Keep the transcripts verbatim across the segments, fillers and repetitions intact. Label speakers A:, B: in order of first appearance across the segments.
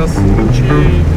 A: красунчик.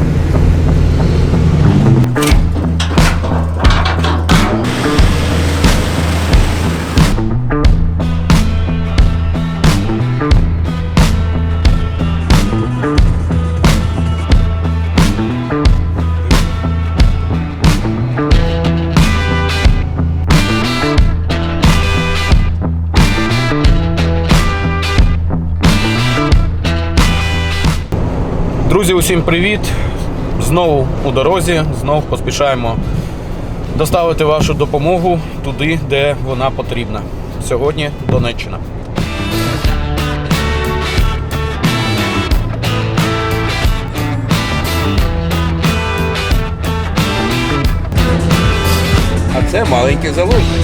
A: Друзі, усім привіт! Знову у дорозі, знову поспішаємо доставити вашу допомогу туди, де вона потрібна. Сьогодні Донеччина.
B: А це маленький залужний.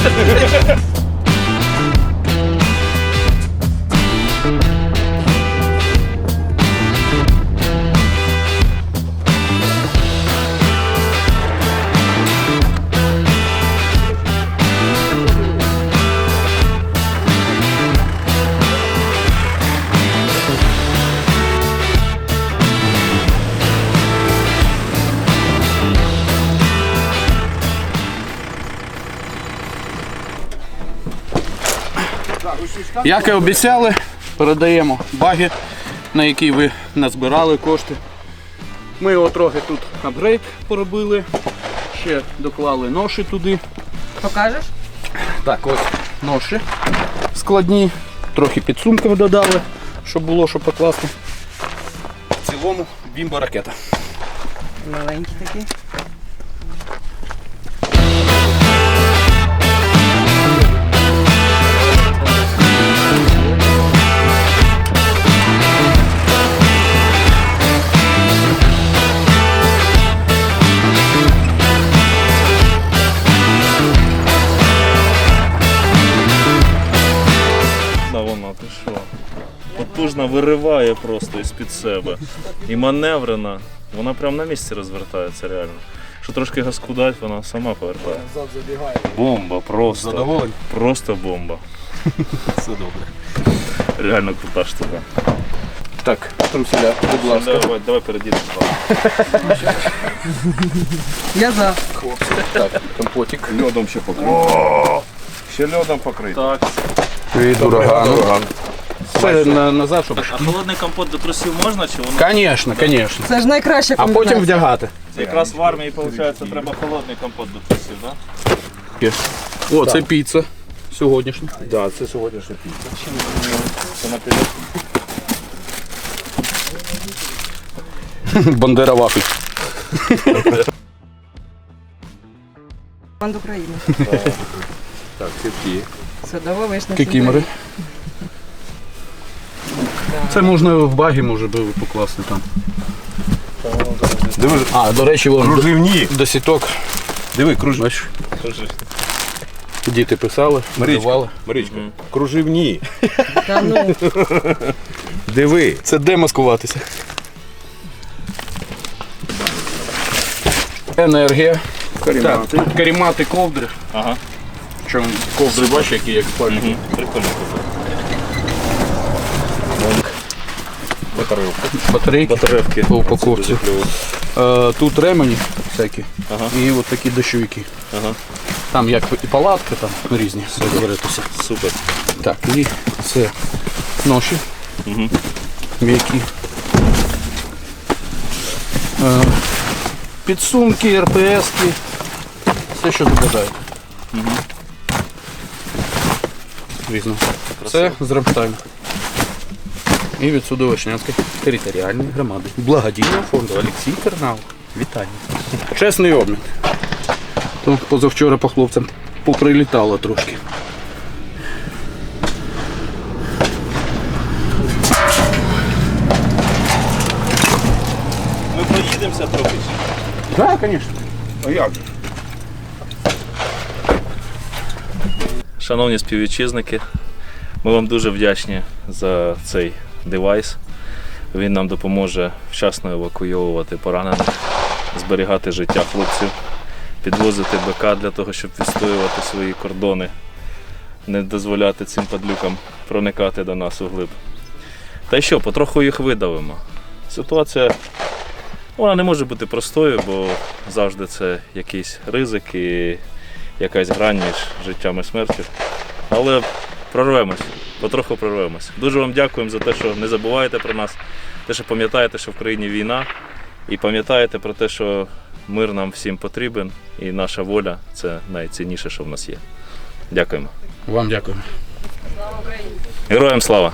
A: Як і обіцяли, передаємо баги, на які ви назбирали кошти. Ми його трохи тут апгрейд поробили, ще доклали ноші туди.
C: Покажеш?
A: Так, ось ноші складні, трохи підсумків додали, щоб було що покласти. В цілому бімба-ракета.
C: Маленький такий.
D: Вона, ти що? Потужно вириває просто із-під себе. І маневрена. Вона прямо на місці розвертається реально. Що трошки газку дать, вона сама повертає. Бомба просто.
A: Задоволені?
D: Просто бомба.
A: Все добре.
D: Реально крута штука.
A: Так, труселя, будь ласка.
D: Давай, давай передійдемо.
C: Я за.
A: Хлопці. Так, компотик.
B: Льодом ще покрити. Ще льодом покрити.
D: Так.
A: Від урагану. Це на, назад, щоб...
D: А холодний компот до трусів можна чи воно?
A: Звісно, звісно.
C: Це ж найкраща
A: А
C: комбінація.
A: потім вдягати.
D: Якраз в армії, виходить, треба холодний компот до трусів, так?
A: О, це піца сьогоднішня.
B: Так, да, це сьогоднішня піца.
D: Це наперед.
A: Бандера вафель.
C: Банд України.
B: Так, це ті.
C: Садова вишня.
A: Кікімори. Це можна в багі, може би покласти там.
B: Диви,
A: А, до речі, вон
B: кружевні.
A: до сіток.
B: Диви, круж...
A: Бачиш, діти писали,
B: Марічка,
A: малювали.
B: Марічка, кружевні.
C: Та ну.
B: Диви.
A: Це де маскуватися? Енергія. Карімати. Карімати ковдри.
D: Ага.
A: Чому ковдри, бачиш, які як спальники.
D: Угу. Прикольно.
B: Батарейка.
A: Батарейки.
D: Батарейки.
A: По упаковці. Е, Тут ремені всякі.
D: Ага.
A: І от такі дощовики.
D: Ага.
A: Там як і палатки, там різні розберетеся.
D: Супер.
A: Так, і це ноші.
D: Угу.
A: М'які. Е, Підсумки, РПС-ки. Все, що забажаєте.
D: Угу.
A: Різно. Це з Рамштайн. І від Судовишнянської територіальної громади. Благодійного фонду Олексій Тернау. Вітання. Чесний обмін. То позавчора по хлопцям поприлітало трошки.
D: Ми проїдемося трохи.
A: Так, звісно.
B: А як же?
D: Шановні співвітчизники, ми вам дуже вдячні за цей девайс. Він нам допоможе вчасно евакуйовувати поранених, зберігати життя хлопців, підвозити БК для того, щоб відстоювати свої кордони, не дозволяти цим падлюкам проникати до нас углиб. Та й що, потроху їх видавимо. Ситуація вона не може бути простою, бо завжди це якийсь ризик і якась грань між життям і смертю. Але прорвемось, потроху прорвемось. Дуже вам дякуємо за те, що не забуваєте про нас, те, що пам'ятаєте, що в країні війна, і пам'ятаєте про те, що мир нам всім потрібен, і наша воля – це найцінніше, що в нас є. Дякуємо.
A: Вам дякую.
D: Героям слава!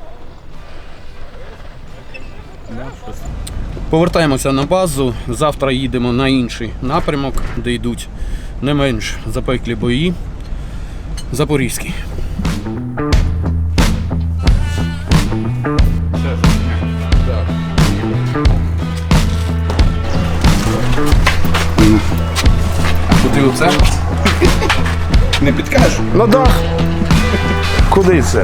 A: Повертаємося на базу. Завтра їдемо на інший напрямок, де йдуть не менш запеклі бої. Запорізький. Куди оце?
B: Не підкажеш?
E: На дах. Куди це?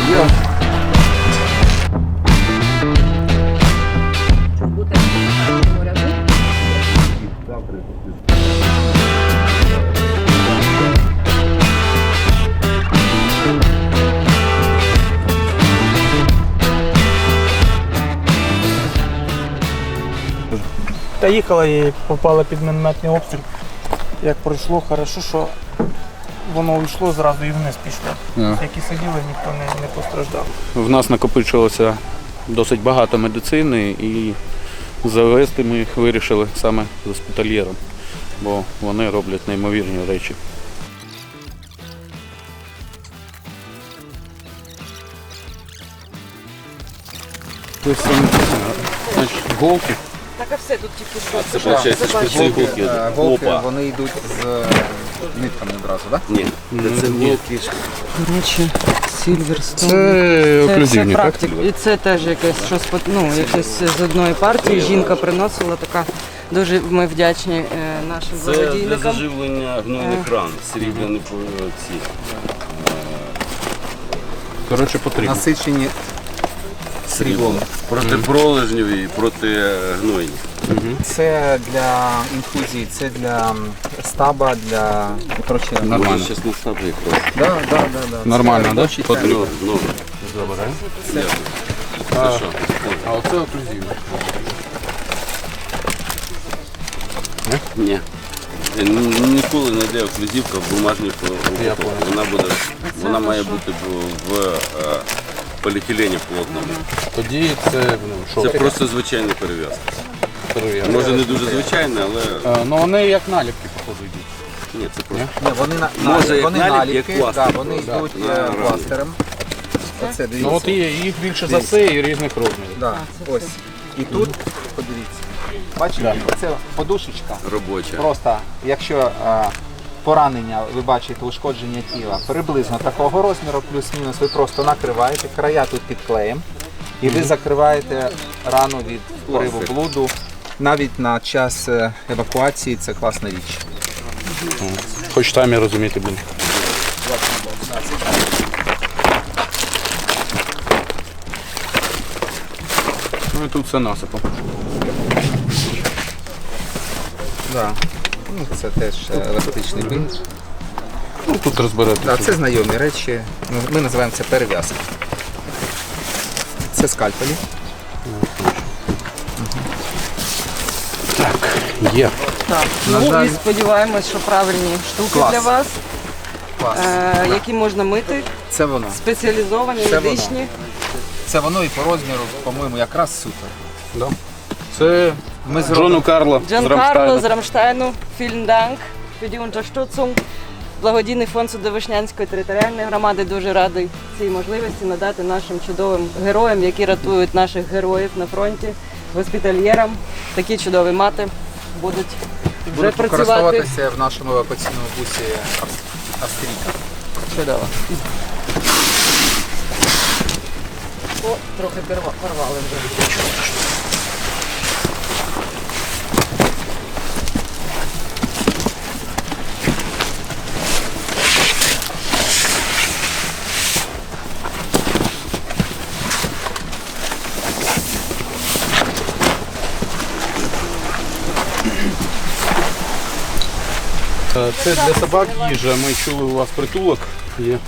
F: Та їхала і попала під мінометний обстріл. Як пройшло, хорошо, що воно йшло зразу і вниз пішло.
A: Yeah.
F: Які сиділи, ніхто не, не постраждав.
A: В нас накопичилося досить багато медицини і завести ми їх вирішили саме з госпітальєром, бо вони роблять неймовірні речі. Ось там, значить, голки.
C: Так, а все тут тільки що.
B: Це виходить шпиці гулки.
G: Е, Голки,
B: Опа.
G: вони йдуть з е, нитками одразу, так?
B: Ні, це гулки.
C: Коротше, Сільверстон.
A: Це оклюзивні, так?
C: практик. І це теж якесь щось, по- ну, якесь з одної партії. Жінка приносила така. Дуже ми вдячні е, нашим
H: Це для
C: благодійникам.
H: заживлення гнойних ран, срібляні ці.
A: Коротше, потрібно.
G: Насичені сріблом.
H: Проти пролежнів і проти гнойні.
G: Це для інфузії, це для м, стаба, для коротше,
A: Нормально.
H: Може, зараз не стати якраз.
G: Да, да, да, да.
A: Нормально,
G: Це
A: да?
G: робочий
A: Потрібно.
G: темп.
H: Ну,
A: Забираємо.
H: це що?
A: А оце оклюзивні.
H: Ні. Ні- Ніколи не йде оклюзівка в бумажній упаковці. Вона буде, вона має бути в, в е, поліетилені плотному.
A: Тоді це, ну, що?
H: Це просто звичайна перев'язка.
A: перевіряємо.
H: Може не дуже звичайна, але
A: Е, Ну вони як наліпки, походу, йдуть.
H: ні, це просто.
G: Ні, вони, на,
H: Може,
G: на,
H: як
G: вони
H: наліпки,
G: наліпки,
H: як пластир
G: да, вони
H: просто.
G: йдуть
H: Да,
G: е,
H: на рану.
G: пластирем. Оце, дивіться.
A: Ну от є, їх більше за все і різних розмірів.
G: Да, ось. І тут, подивіться, бачите, це подушечка.
H: Робоча.
G: Просто, якщо е, поранення, ви бачите, ушкодження тіла приблизно такого розміру, плюс-мінус, ви просто накриваєте, края тут під клеєм, і ви закриваєте рану від впливу блуду. Навіть на час е, евакуації це класна річ.
A: Хоч там і розуміти буде. Ну і тут все насипом.
G: Да. Ну, це теж е, еластичний бинт.
A: Ну тут розберете.
G: Да, це знайомі речі. Ну, ми називаємо це перев'язки. Це скальпелі.
A: Є.
C: Так,
G: На
C: ну
G: жаль-
C: і сподіваємось, що правильні штуки
G: Клас.
C: для вас,
G: Клас.
C: е, які можна мити,
G: Це воно.
C: спеціалізовані,
G: Це воно.
C: медичні.
G: Це воно і по розміру, по-моєму, якраз супер.
A: Да. Це
G: Ми
A: Джону
G: зробимо.
A: Карло з
C: Джан Карло
A: Рамштайна.
C: з Рамштайну, vielen Dank für die Unterstützung. Благодійний фонд Судовишнянської територіальної громади дуже радий цій можливості надати нашим чудовим героям, які рятують наших героїв на фронті, госпітальєрам. Такі чудові мати будуть вже
G: Будуть
C: працювати.
G: використовуватися в нашому евакуаційному бусі Ав- Австрійка.
C: Чудово. О, трохи порва- порвали вже.
A: Е, Це для собак їжа. Ми чули, у вас притулок є.
H: Є.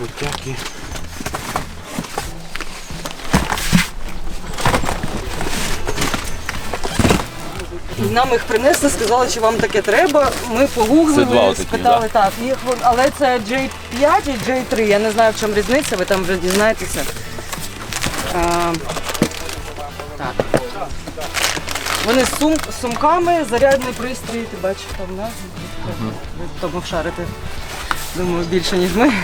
A: Крутяки.
C: Нам їх принесли, сказали, що вам таке треба. Ми
H: Це
C: погуглили,
H: два отакі,
C: спитали, так, їх, вон- але це джей п'ять і джей три. Я не знаю, в чому різниця, ви там вже дізнаєтеся. А, так. Вони з сум, з сумками, зарядний пристрій, ти бачиш там назву. Ви в тому шарите, думаю, більше, ніж ми.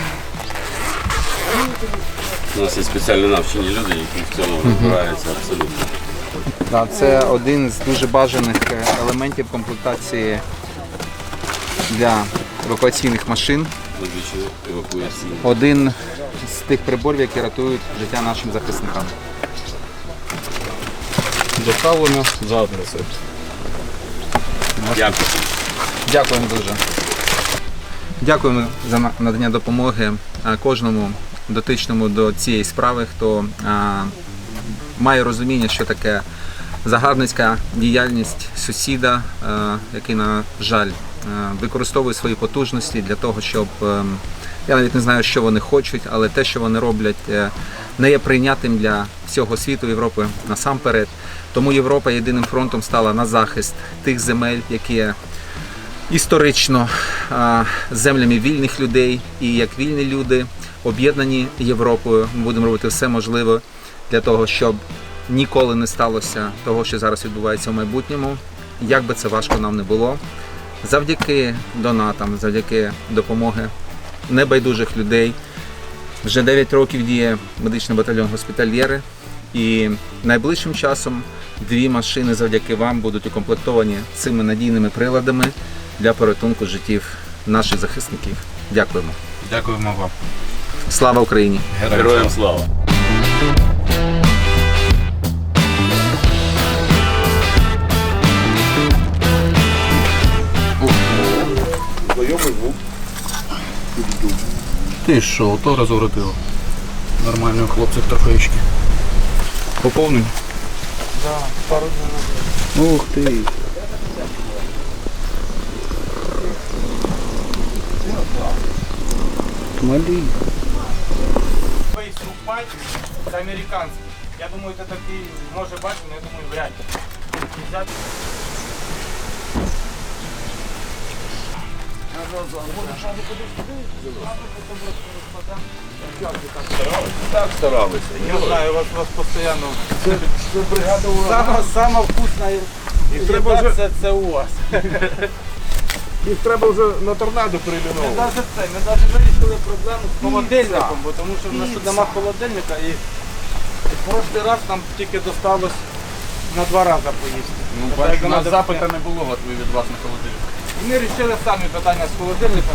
H: У нас є спеціально навчені люди, які в цьому розбираються абсолютно.
G: Да, це один з дуже бажаних е, елементів комплектації для евакуаційних машин.
H: Звичайно, евакуаційні.
G: Один з тих приборів, які рятують життя нашим захисникам.
A: Доставлено за адресою.
H: Дякую.
G: Дякуємо дуже. Дякуємо за на- надання допомоги е, кожному дотичному до цієї справи, хто е, має розуміння, що таке загарбницька діяльність сусіда, е, який, на жаль, е, використовує свої потужності для того, щоб, е, я навіть не знаю, що вони хочуть, але те, що вони роблять, е, не є прийнятним для всього світу, Європи насамперед. Тому Європа єдиним фронтом стала на захист тих земель, які є історично е, землями вільних людей, і як вільні люди, об'єднані Європою, ми будемо робити все можливе для того, щоб ніколи не сталося того, що зараз відбувається в майбутньому, як би це важко нам не було. Завдяки донатам, завдяки допомоги небайдужих людей. Вже дев'ять років діє медичний батальйон «Госпітальєри», і найближчим часом дві машини завдяки вам будуть укомплектовані цими надійними приладами для порятунку життів наших захисників. Дякуємо.
B: Дякуємо вам.
G: Слава Україні!
H: Героям слава!
A: Ти що, то розворотило. Нормально, хлопців трофеєчки. Поповнені?
F: Да, пару днів.
A: Ух ти. Малі.
F: Фейс Рупай, це американський. Я думаю, це такий, може бачити, але я думаю, вряд ли. Взяти.
H: Так старалися.
F: Я знаю, вас, вас постійно. Це, це бригада ураган. Сама, сама вкусна їда це, це у вас.
B: Їх треба вже на торнадо
F: Ми
B: перейменовувати.
F: навіть це, ми навіть вирішили проблему з холодильником, бо тому що в нас тут нема холодильника і в прошлий раз нам тільки досталось на два рази поїсти.
A: Ну,
F: Тобто,
A: бачу,
F: як
A: у нас
F: надо-
A: запита не було готові від вас на холодильник.
F: І ми вирішили самі питання з холодильником.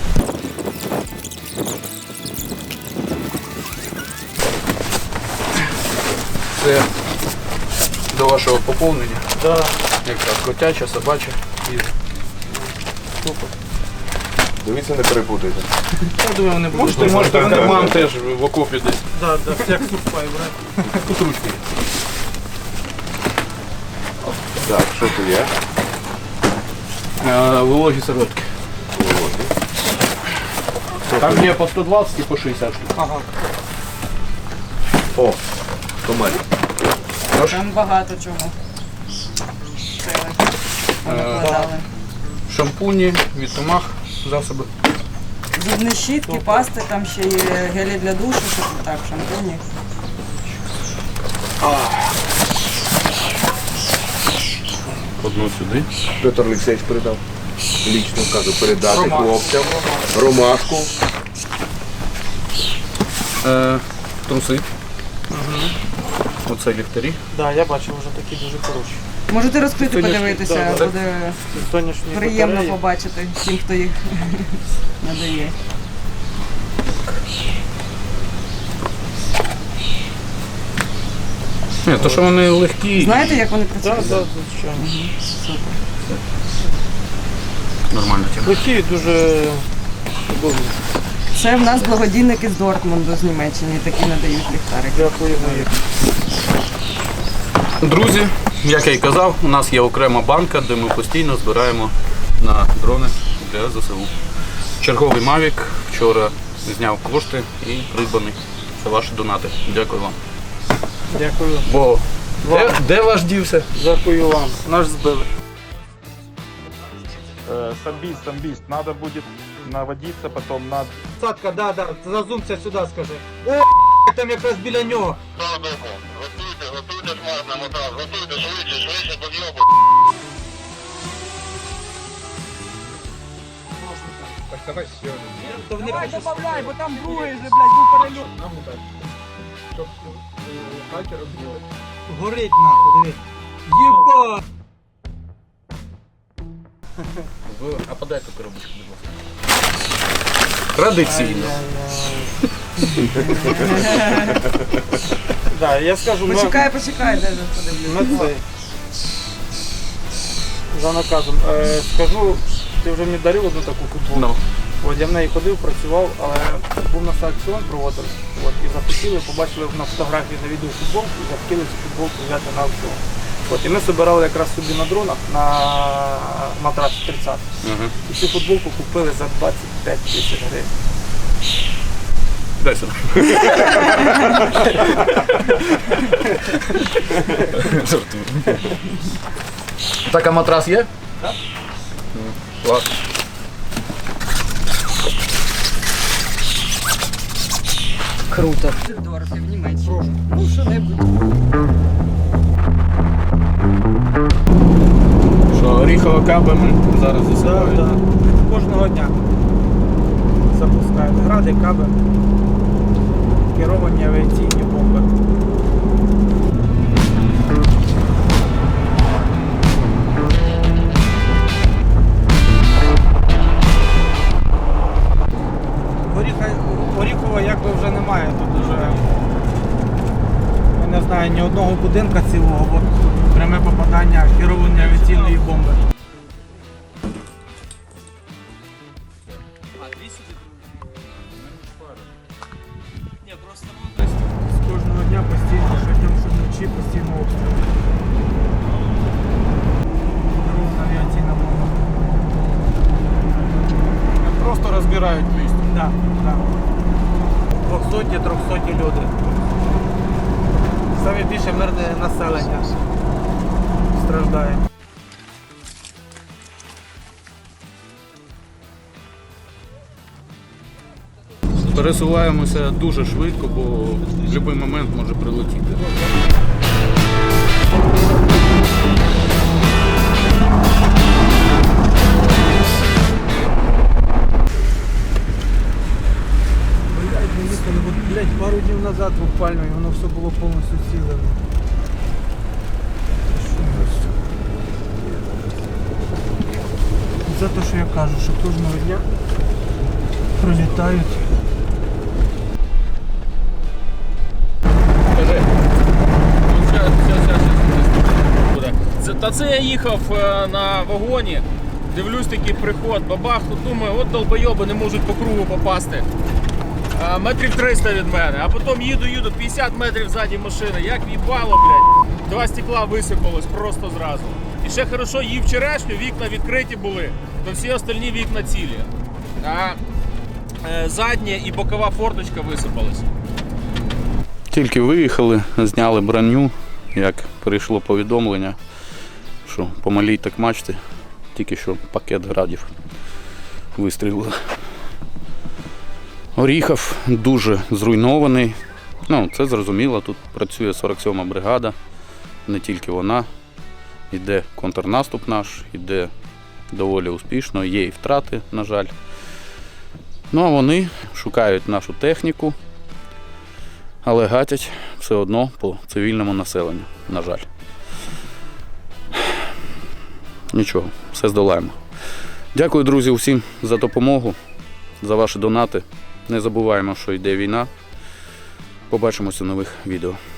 A: Це до вашого поповнення.
F: Да.
A: Якраз котяча, собача.
B: Дивіться, не перепутайте.
A: Я думаю, вони будуть.
F: Можете, можете, вони
A: Карман
F: можуть.
A: теж в окопі десь.
F: Да, да, як сухпай, брат.
A: Тут ручки.
B: Так, що тут є?
A: Е, Вологі серветки. Там є по сто двадцять і по шістдесят штук.
F: Ага.
B: О, комарі.
C: Там багато чого. Понакладали.
A: Шампуні, від комах, засоби.
C: Зубні щітки, пасти, там ще є гелі для душу, що так, шампуні.
A: Одну сюди.
B: Петр Олексійович передав. Лічно кажу, передати хлопцям. Ромашку.
A: Е, труси. Оце ліхтарі.
F: Да, я бачив вже такі дуже хороші.
C: Можете розкрити,
F: Сонячні,
C: подивитися,
F: да,
C: буде
F: Сонячні
C: приємно
F: батареї.
C: побачити всім, хто їх надає.
A: Ні, то що вони легкі,
C: Знаєте, як вони
F: Так,
C: працюють?
F: да, звичайно.
A: нормальна тема.
F: Легкі, дуже удобні.
C: Це в нас благодійники з Дортмунду, з Німеччини, такі надають ліхтарики.
F: Дякуємо їм.
A: Друзі, як я й казав, у нас є окрема банка, де ми постійно збираємо на дрони для ЗСУ. Черговий Mavic вчора зняв кошти і придбаний. Це ваші донати. Дякую вам.
F: Дякую.
A: Бо де, де ваш дівся?
F: Дякую вам. Наш збили.
E: Самбист, самбист. Надо будет наводиться потом на...
F: Садка, да, да, зазумся сюди, скажи. О, там якраз біля нього.
I: Готуйте, готуйте смарт на мотав, готуйте, швидше, швидше, підйобу.
F: Давай добавляй, бо там другий же, блядь, був перельот. Щоб хаті розбили. Горить нахуй, диви. Єба!
A: А подайте коробочку, будь ласка. Традиційно.
F: Да, я скажу, ми,
C: Почекай, почекай, де ж подивлюсь.
F: ми це. За наказом. Е, скажу, ти вже мені дарив одну таку футболку. От я в неї ходив, працював, але був на аукціон проводив. От, і захотіли, побачили на фотографії на відео футболку і захотіли цю футболку взяти на аукціон. От, і ми збирали якраз собі на дронах на матрас тридцять.
A: Ага.
F: І цю футболку купили за двадцять п'ять тисяч гривень.
A: Дай сюди. Жартую. Так, а матрас є? Так. Клас.
C: Круто. Дорого, в Німеччині. Ну, що-небудь.
A: Що, оріхова каба ми зараз засипаємо?
F: Так, так. Кожного дня запускають гради, каби, керовані авіаційні бомби. Оріха, Оріхова якби вже немає, тут вже, я не знаю, ні одного будинка цілого, бо пряме попадання керовані авіаційної бомби. З кожного дня постійно, щодня, щоночі постійно обстріл. Керована авіаційна бомба.
A: Просто розбирають місто.
F: Так, так. Двохсоті, трьохсоті люди. Саме більше мирне населення страждає.
A: Пересуваємося дуже швидко, бо в будь-який момент може прилетіти.
F: Блять, ми їхали, от, блять, пару днів назад буквально, і воно все було повністю ціле. За те, що я кажу, що кожного дня прилітають.
D: Це, та це я їхав е, на вагоні, дивлюсь такий приход, бабах, тут думаю, от долбойоби не можуть по кругу попасти. А, метрів триста від мене, а потім їду, їду, п'ятдесят метрів ззаді машини, як в'їбало, блядь, два стекла висипалось просто зразу. І ще хорошо, їв черешню, вікна відкриті були, то всі остальні вікна цілі. А е, задня і бокова форточка висипалась.
A: Тільки виїхали, зняли броню, як прийшло повідомлення, що по малій так мачті, тільки що пакет градів вистрілили. Оріхов дуже зруйнований. Ну, це зрозуміло, тут працює сорок сьома бригада, не тільки вона. Йде контрнаступ наш, йде доволі успішно, є і втрати, на жаль. Ну а вони шукають нашу техніку, але гатять все одно по цивільному населенню, на жаль. Нічого, все здолаємо. Дякую, друзі, усім за допомогу, за ваші донати. Не забуваємо, що йде війна. Побачимося у нових відео.